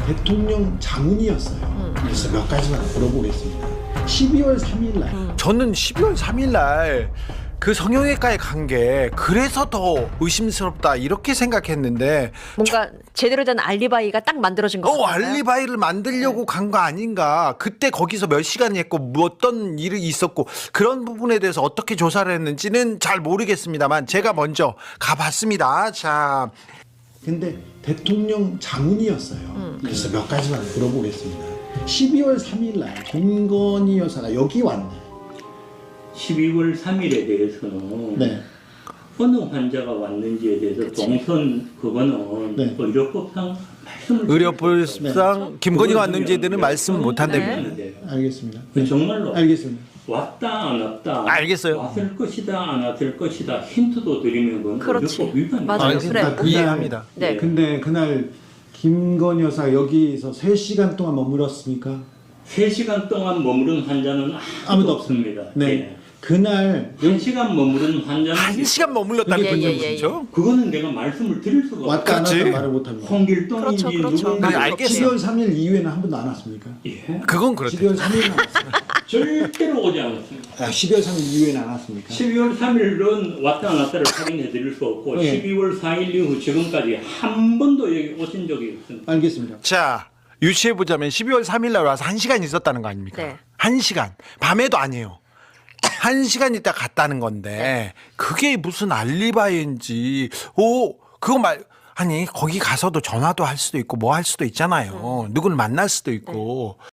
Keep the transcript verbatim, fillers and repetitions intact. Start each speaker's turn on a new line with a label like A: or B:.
A: 대통령 자문이었어요.
B: 음.
A: 그래서 몇 가지만 물어보겠습니다. 십이월 삼일 날
B: 음.
C: 저는 십이월 삼일 날 그 성형외과에 간 게 그래서 더 의심스럽다 이렇게 생각했는데
B: 뭔가 제대로 된 알리바이가 딱 만들어진 것
C: 어
B: 같아요.
C: 알리바이를 만들려고 간 거 아닌가. 그때 거기서 몇 시간 했고 뭐 어떤 일이 있었고 그런 부분에 대해서 어떻게 조사를 했는지는 잘 모르겠습니다만 제가 먼저 가봤습니다. 자,
A: 근데 대통령 자문이었어요.
B: 음.
A: 그래서 몇 가지만 물어보겠습니다. 십이월 삼일 날 김건희 여사가 여기 왔네.
D: 십이월 삼일에 대해서는
A: 네.
D: 어느 환자가 왔는지에 대해서 동선 그거는
A: 네.
D: 의료법상 말씀을
C: 의료법상 김건희가 왔는지에 대해서는 말씀 못 한다며.
D: 네.
A: 알겠습니다.
D: 그 정말로
A: 알겠습니다.
D: 왔다 안 왔다
C: 알겠어요.
D: 왔을 것이다 안 왔을 것이다 힌트도 드리면 그건
B: 그렇지.
D: 의료법 위반
B: 맞아요.
C: 알겠습니다.
B: 그래.
C: 이해합니다.
B: 네.
A: 근데 그날 김건희 여사 여기서 세 시간 동안 머물었습니까?
D: 세 시간 동안 머무른 환자는 아무도,
A: 아무도
D: 없습니다.
A: 네.
D: 예.
A: 그날
D: 한 시간 머무른 환자는
C: 한 시간 머물렀다는
B: 예,
C: 건
B: 예, 예,
C: 무슨죠?
D: 그거는 내가 말씀을 드릴 수가
A: 왔다 안
C: 그렇지.
A: 왔다 말을 못합니다.
D: 홍길동인지
B: 그렇죠, 그렇죠.
D: 누구인지
C: 그래, 알겠어요.
A: 십이월 삼일 이후에는 한 번도 안 왔습니까?
D: 예.
C: 그건 그렇대.
A: 십이월 삼일은 안 왔어요.
D: 절대로 오지 않았습니다.
A: 아, 십이월 삼일 이후에는 안 왔습니까?
D: 십이월 삼일은 왔다 안 왔다를 확인해 드릴 수 없고
A: 네.
D: 십이월 사일 이후 지금까지 한 번도 여기 오신 적이 없습니다.
A: 알겠습니다.
C: 자, 유추해 보자면 십이월 삼일 날 와서 한 시간 있었다는 거 아닙니까?
B: 네.
C: 한 시간. 밤에도 아니에요. 한 시간 있다 갔다는 건데 그게 무슨 알리바이인지 오 그거 말 아니 거기 가서도 전화도 할 수도 있고 뭐 할 수도 있잖아요. 누구를 만날 수도 있고